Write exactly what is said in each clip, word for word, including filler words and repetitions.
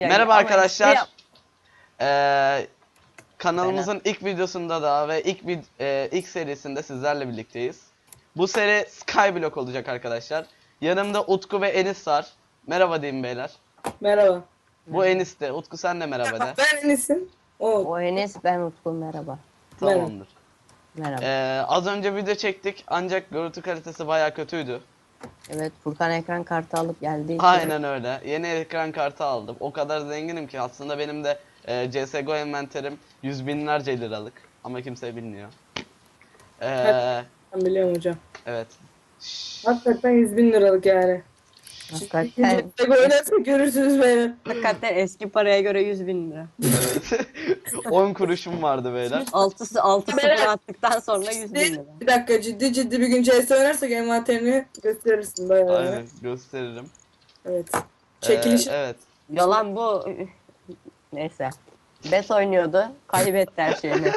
Merhaba Ama arkadaşlar. espri Ee, kanalımızın ilk videosunda da ve ilk vid e, ilk serisinde sizlerle birlikteyiz. Bu seri Skyblock olacak arkadaşlar. Yanımda Utku ve Enis var. Merhaba diyeyim beyler. Merhaba. Bu Enis de. Utku sen de merhaba de. Ben Enis'im. O. O Enes, ben Utku, merhaba. Tamamdır. Merhaba. Ee, az önce video çektik ancak görüntü kalitesi baya kötüydü. Evet, Furkan ekran kartı alıp geldi. Aynen öyle. Yeni ekran kartı aldım. O kadar zenginim ki aslında benim de e, C S G O envanterim yüz binlerce liralık. Ama kimse bilmiyor. Ee, Ben biliyorum hocam. evet. Hakikaten yüz bin liralık yani. Hakikaten, Tek oynarsa görürsünüz beyler. hakikaten eski paraya göre yüz bin lira. Evet. on kuruşum vardı beyler. Altısı altı sıfır Beyler, attıktan sonra yüz bin lira. Bir dakika, ciddi ciddi bir gün C S oynarsak envanterini gösterirsin bayağı. Aynen gösteririm. Evet. Ee, Çekiliş. evet. Yalan bu. Neyse. Bes oynuyordu. Kaybetti her şeyini.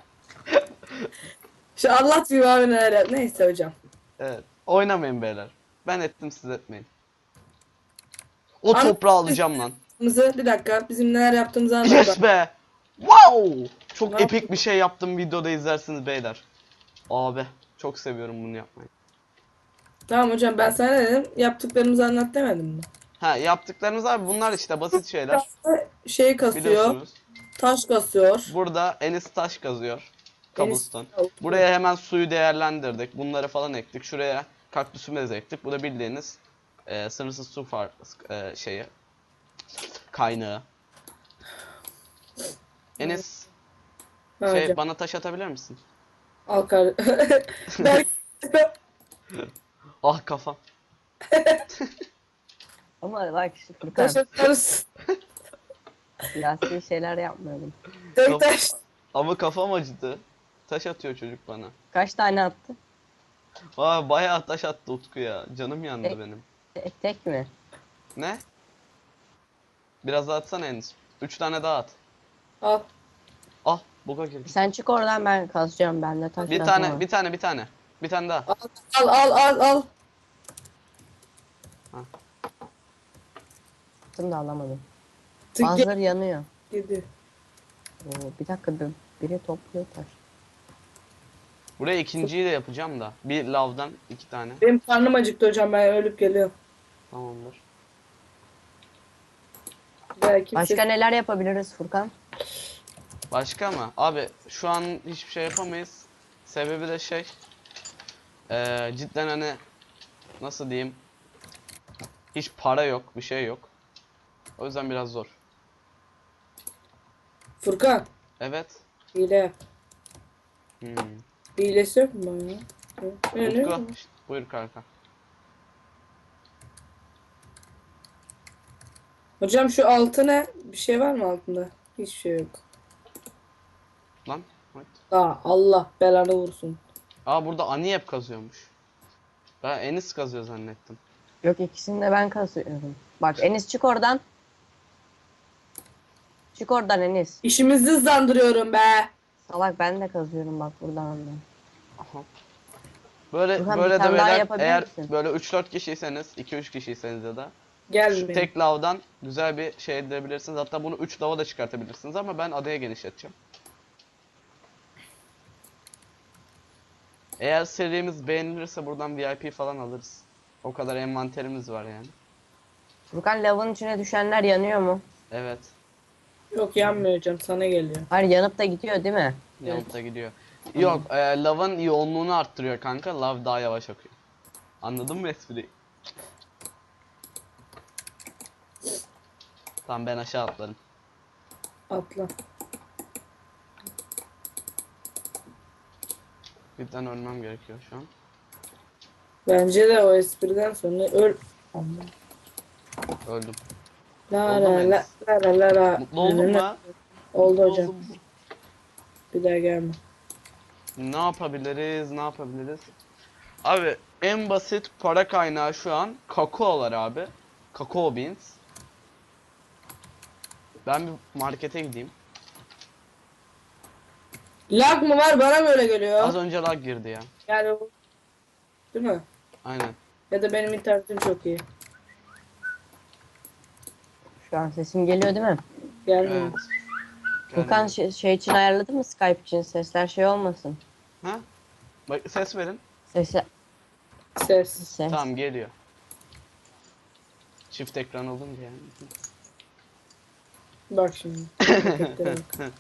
Şu anlat bir abi neler yap. Neyse hocam. Evet. Oynamayın beyler. Ben ettim siz etmeyin. O An- toprağı alacağım lan. Mızı bir dakika bizim neler yaptığımızı anlat. Yes be. Wow. Çok Ne epik bir şey yaptım, videoda izlersiniz beyler. Abi çok seviyorum bunu yapmayı. Tamam hocam, ben sana ne dedim? Yaptıklarımızı anlat demedim mi? Ha, yaptıklarımız abi bunlar işte basit şeyler. Şey kasıyor. Biliyorsunuz. Taş kasıyor. Burada Enis taş kazıyor. Enis- Cobblestone. Buraya hemen suyu değerlendirdik. Bunları falan ektik. Şuraya kaktüsümüzü ektik. Bu da bildiğiniz e, sınırsız su far e, şeyi kaynağı. Enis Ha, şey hocam. bana taş atabilir misin? Al kar. Belki Ah kafam. Ama bak şu Furkan, taş atarız. siyasi şeyler yapmıyordum. Tek taş. Ama kafam acıdı. Taş atıyor çocuk bana. Kaç tane attı? Aa, bayağı taş attı Utku ya. Canım yandı Tek- benim. Tek, tek mi? Ne? Biraz daha atsana Enis. Üç tane daha at. Al. Ah, buga girdi. Sen çık oradan, ben kazacağım, ben de taş Bir atamam. tane, bir tane, bir tane. Bir tane daha. Al al al al al. Attım da alamadım. Tık Bazıları yanıyor. yedi. Oo, bir dakika, bir, biri topluyor taş. Buraya ikinciyi de yapacağım da. Bir lavdan iki tane. Benim karnım acıktı hocam, ben ölüp geliyorum. Tamamdır. Belki Başka neler yapabiliriz Furkan? Başka mı? Abi şu an hiçbir şey yapamayız. Sebebi de şey. Eee cidden hani nasıl diyeyim? Hiç para yok, bir şey yok. O yüzden biraz zor. Furkan, Evet. hile yap. Hmm. Hilesi yok mu bana? Ne, ne? Utku, şşt, buyur kanka. Hocam şu altı ne? Bir şey var mı altında? Hiçbir şey yok. Lan. Hadi. Aa, Allah belanı vursun. Aa, burada Aniyep kazıyormuş. Ben Enis kazıyor zannettim. Yok, ikisini de ben kazıyorum. Bak Enis, çık oradan. Çık oradan Enis. İşimizi hızlandırıyorum be. Salak, ben de kazıyorum bak buradan da. Aha. Böyle Burhan, bir böyle de tane daha beyler, yapabilir eğer misin? böyle üç dört kişiyseniz, iki üç kişiyseniz ya da Gel şu benim. tek lavdan güzel bir şey edebilirsiniz. Hatta bunu üç lava da çıkartabilirsiniz ama ben adaya genişleteceğim. Eğer serimiz beğenilirse buradan V I P falan alırız. O kadar envanterimiz var yani. Furkan, lavın içine düşenler yanıyor mu? Evet. Yok, yanmıyor hocam, sana geliyor. Hayır, yanıp da gidiyor değil mi? Yanıp da gidiyor. Yok, e, lavın yoğunluğunu arttırıyor kanka. Lav daha yavaş akıyor. Anladın mı espriyi? Tamam, ben aşağı atlarım. Atla. Birden ölmem gerekiyor şu an. Bence de o espriden sonra öl. Allah. Öldüm. La Oldu mu la la Enes? la la la la. Mutlu oldun mu? Oldu Mutlu hocam. oldum. Bir daha gelme. Ne yapabiliriz? Ne yapabiliriz? Abi en basit para kaynağı şu an kakaolar abi. Kakao beans. Ben bir markete gideyim. Lag mı var, bana böyle geliyor. Az önce lag girdi ya. Yani o- değil mi? Aynen. Ya da benim internetim çok iyi. Şu an sesim geliyor değil mi? Gelmiyor. Evet. Furkan Gelmiyor. şey, şey için ayarladı mı Skype için? Sesler şey olmasın. Ha? Bak ses verin. Sesler... Ses. Ses. Tamam geliyor. Çift ekran olunca yani. Bak şimdi. Hareketlere bak.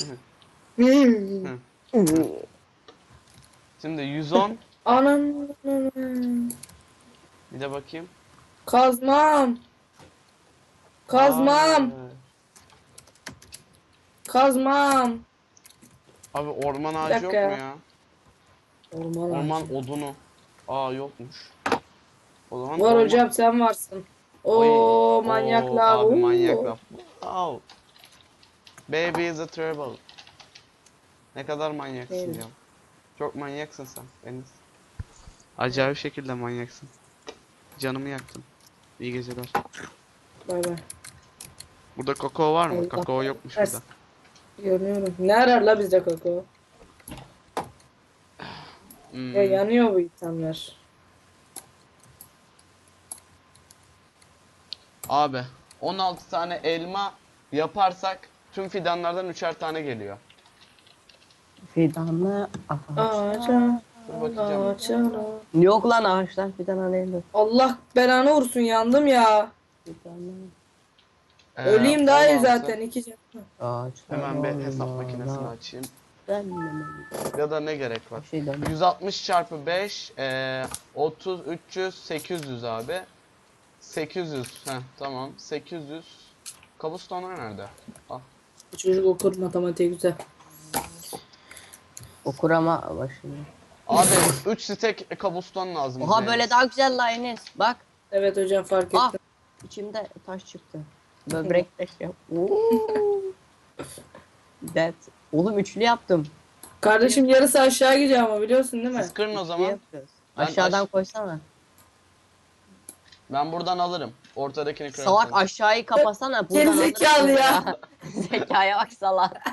Hmm. Şimdi yüz on. Anam. Bir de bakayım. Kazmam. Kazmam. Aa, Kazmam. abi orman Bir ağacı yok mu dakika ya. ya? Orman, Orman ağacı. odunu. Aa yokmuş. O zaman Var orman- hocam sen varsın. Oy. Oo manyaklar. Oo, abi oo. manyaklar. Wow. Baby is a trouble. Ne kadar manyaksın Evet. ya. Çok manyaksın sen Deniz. Acayip şekilde manyaksın. Canımı yaktın. İyi geceler. Bay bay. Burada kakao var mı? Allah Kakao yokmuş versin. burada. Yanıyorum. Ne arar la bizde kakao? Hmm. Ya yanıyor bu itemler. Abi on altı tane elma yaparsak tüm fidanlardan üçer tane geliyor. Fidanlı Ağaca. Dur bakacağım. Ağaca. Yok lan ağaçtan fidan alayım. Allah belanı vursun yandım ya. Fidanlı Ee, Öleyim daha iyi on altı. zaten iki can. ağaçtan. Hemen bir hesap olmaz. makinesini açayım. Ben Ya da ne gerek var? bir şey dönüyor. yüz altmış çarpı beş eee otuz üç yüz sekiz yüz abi. sekiz yüz. Heh tamam. sekiz yüz. Cobblestone'lar nerede? Al. Bu çocuk okur matematiği güzel. Okur ama başını. Abi üç stack cobblestone lazım. Oha bize böyle Enes. daha güzel la Enes. Bak Evet hocam fark ettim. ah içimde taş çıktı. Böbrek taşı. Oo. That. Oğlum üçlü yaptım. Kardeşim yarısı aşağı gidiyor ama biliyorsun değil mi? Siz kırın o Üçlü zaman. yapıyoruz. Ben Aşağıdan aş- koysana. Ben buradan alırım. Ortadakini kırarım. Salak sen. aşağıyı kapasana. Buradan Gerizekalı alırsın ya. Zekaya bak salak.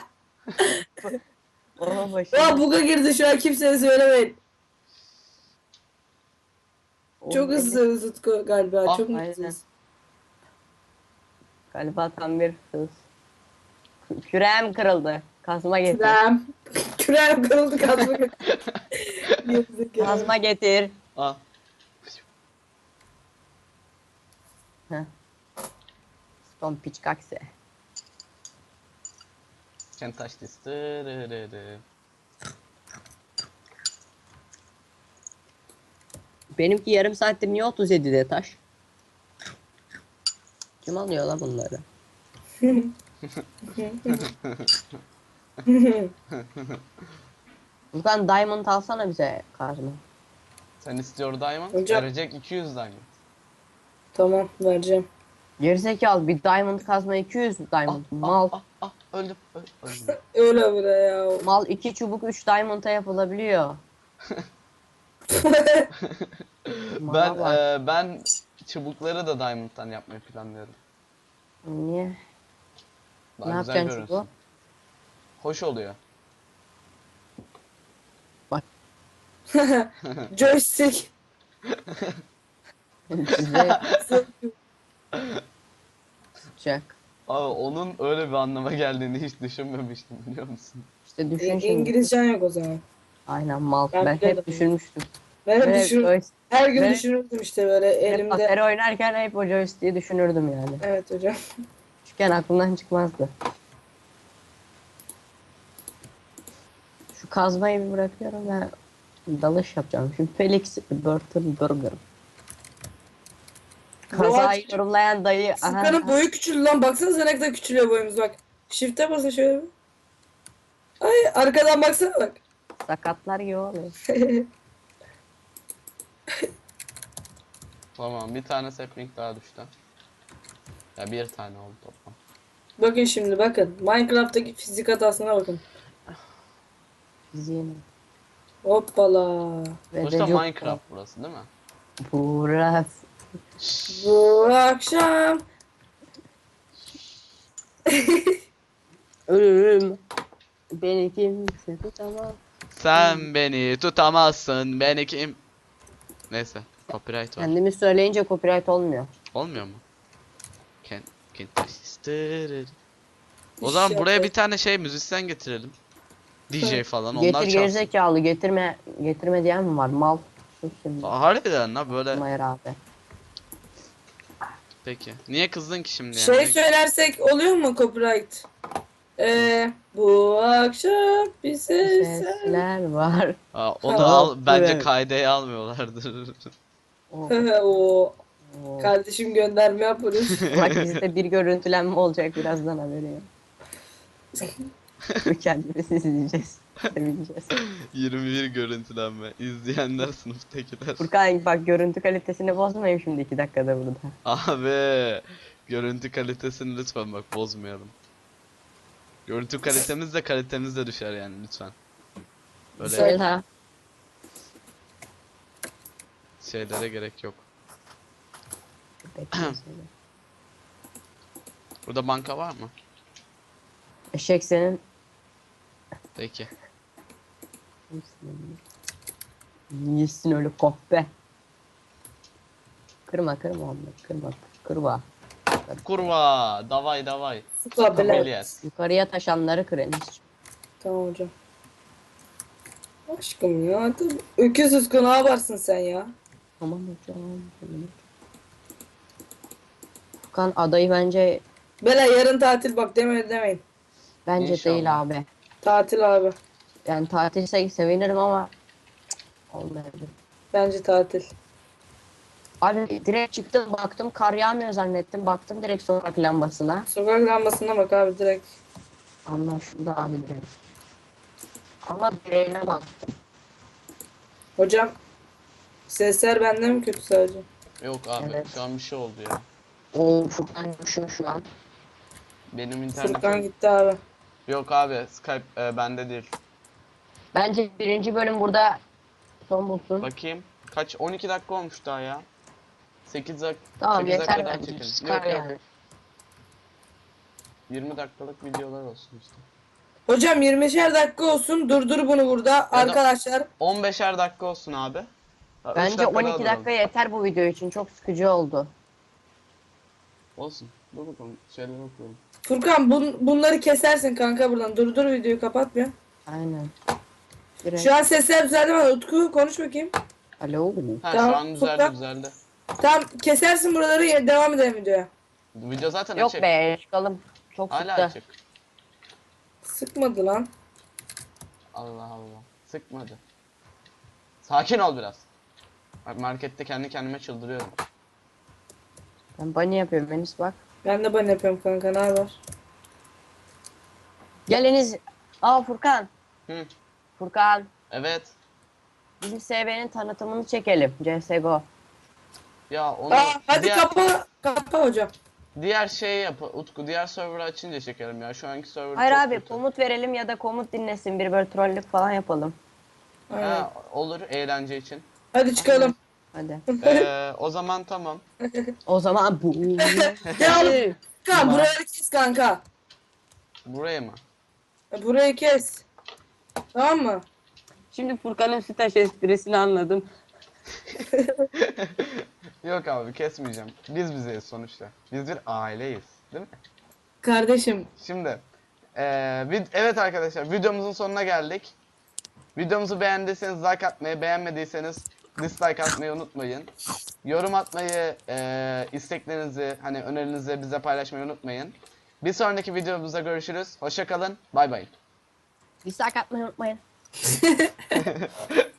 Oha başım. Ya buga girdi şu an kimseye söylemeyin. Oğlum, Çok Enes hızlı Tutku galiba. Ah, Çok aynen. mutluyuz. Galiba tam bir hız. Kü- Küreğim kırıldı. Kazma getir. Kürem. Kürem kırıldı kazma. Gerizekalı. Kazma getir. Al. Heh. Son piç kakse. Can touch this. Dırırırı. Benimki yarım saattir niye otuz yedide taş? Kim alıyor lan bunları? Buradan diamond alsana bize kazma. Sen istiyor diamond. Hocam- Verecek iki yüz diamond. Tamam vereceğim. Gerizekalı bir diamond kazma iki yüz diamond. Mal. Ah, ah, öldüm. öl- öldüm. Öyle bre ya. Mal iki çubuk üç diamond'a yapılabiliyor. Ben Mala bak. eee, ben çubukları da diamond'dan yapmayı planlıyorum. Niye? Daha Ne güzel yapacaksın görünsün. çubuğu? Hoş oluyor. Joystick. Size sıcak. Abi onun öyle bir anlama geldiğini hiç düşünmemiştim biliyor musun? İşte düşün İ- şimdi. İngilizcen yok o zaman. Aynen mal. Ben Ben, biliyordum. hep düşünmüştüm. Ben hep Ben hep düşün, joy- her gün ben- düşünürdüm işte böyle hep elimde. Atari oynarken hep o joystick'i düşünürdüm yani. Evet hocam. Küçükken aklımdan çıkmazdı. Şu kazmayı bir bırakıyorum ben dalış yapacağım. Şimdi Felix Burton Burger. Kazayı ağaç- yorumlayan dayı. Aha, Furkan'ın boyu küçüldü lan. Baksana ne kadar küçülüyor boyumuz bak. Shift'e basın şöyle bir. Ay arkadan baksana bak. sakatlar gibi oluyor. Tamam bir tane sapling daha düştü. Ya bir tane oldu toplam. Bakın şimdi bakın. Minecraft'taki fizik hatasına bakın. Fiziğini. Hoppala. Ve Sonuçta de çok- Minecraft burası değil mi? Burası. Bu akşam. Ölürüm. Beni kimse tutamaz. Sen beni tutamazsın beni kim? Neyse copyright var. Kendimi söyleyince copyright olmuyor. Olmuyor mu? Ken Macintosh. Tırırır. O zaman buraya bir tane şey müzisyen getirelim. D J falan onlar Getir çalsın. gerizekalı getirme getirme diyen mi var mal? Sus şimdi. Aa, harbiden la böyle. Mayır abi. Peki. Niye kızdın ki şimdi Şey yani? söylersek oluyor mu copyright? Ee, bu akşam bir ses. Sesler var. Aa, onu Ha, al bence evet. kaydeye almıyorlardır. Oh, o oh. kardeşim gönderme yapıyoruz. Bak bizde bir görüntülenme olacak birazdan haberi yok. Kendimiz izleyeceğiz. Sevineceğiz. yirmi bir görüntülenme. İzleyenler sınıftakiler. Furkan bak görüntü kalitesini bozmayayım şimdi iki dakikada burada. Abi görüntü kalitesini lütfen bak bozmayalım. Görüntü kalitemiz de kalitemiz de düşer yani lütfen. Böyle Söyle. şeylere gerek yok. Bekle söyle. Burada banka var mı? Eşek senin. Peki. Yesin öyle kahpe. Kırma kırma onları kırma kırma. Kurva, davay davay. Sıkla bile. Kameliyas. Yukarıya taşanları kır Enes. Tamam hocam. Aşkım ya. Tabii. Öküz Utku ne yaparsın sen ya? Tamam hocam. tamam. Furkan adayı bence Bela yarın tatil bak deme demeyin. bence İnşallah. değil abi. Tatil abi. Yani tatilse sevinirim ama olmayabilir. Bence tatil. Abi direkt çıktım baktım kar yağmıyor zannettim. Baktım direkt sokak lambasına. Sokak lambasına bak abi direkt. Anlaşıldı abi direkt. Ama direğine bak. Hocam sesler benden mi kötü sadece? Yok abi Evet. şu an bir şey oldu ya. O Furkan düşüyor şu an. Benim Furkan internetim. gitti abi. Yok abi Skype e, bende değil. Bence birinci bölüm burada son bulsun. Bakayım. Kaç? on iki dakika olmuş daha ya. sekiz dak Tamam sekiz yeter dakika daha bence. çekelim. Çıkar Yok yok. yani. yirmi dakikalık videolar olsun işte. Hocam yirmişer dakika olsun. Durdur bunu burada arkadaşlar. on beşer dakika olsun abi. Ha, üç Bence dakika on daha iki duralım. dakika yeter bu video için. Çok sıkıcı oldu. Olsun. Dur bakalım. Şeyler okuyalım. Furkan bun, bunları kesersin kanka buradan. Durdur videoyu kapatmıyor. Aynen. Direkt. Şu an sesler düzeldi mi? Utku konuş bakayım. Alo. Ha Tamam, şu an düzeldi Furkan. düzeldi. Tamam kesersin buraları ya- devam edelim videoya. Video zaten Yok açık. be çıkalım. Çok Hala sıktı. açık. Sıkmadı lan. Allah Allah. Sıkmadı. Sakin ol biraz. Bak markette kendi kendime çıldırıyorum. Ben bunny yapıyorum Enis bak. Ben de ben yapıyorum kanka ne haber? Gel Enis. Aa Furkan. Hı. Furkan. Evet. Bizim S B'nin tanıtımını çekelim. C S G O. Ya onu Aa, hadi diğer, kapa kapa hocam. diğer şeyi yap Utku. Diğer server'ı açınca çekelim ya. Şu anki server Hayır çok abi kötü. komut verelim ya da komut dinlesin. Bir böyle trollük falan yapalım. Aynen. Ha, olur eğlence için. Hadi çıkalım. Hadi. Ee, o zaman tamam. O zaman bu. Ya kanka Tamam. burayı kes kanka. Buraya mı? Burayı kes. Tamam mı? Şimdi Furkan'ın sütaş esprisini anladım. Yok abi kesmeyeceğim. Biz bizeyiz sonuçta. Biz bir aileyiz. Değil mi? Kardeşim. Şimdi eee, vid- evet arkadaşlar videomuzun sonuna geldik. Videomuzu beğendiyseniz like atmayı, beğenmediyseniz dislike atmayı unutmayın. Yorum atmayı, eee, isteklerinizi, hani önerinizi bize paylaşmayı unutmayın. Bir sonraki videomuzda görüşürüz. Hoşça kalın. Bay bay. Dislike atmayı unutmayın.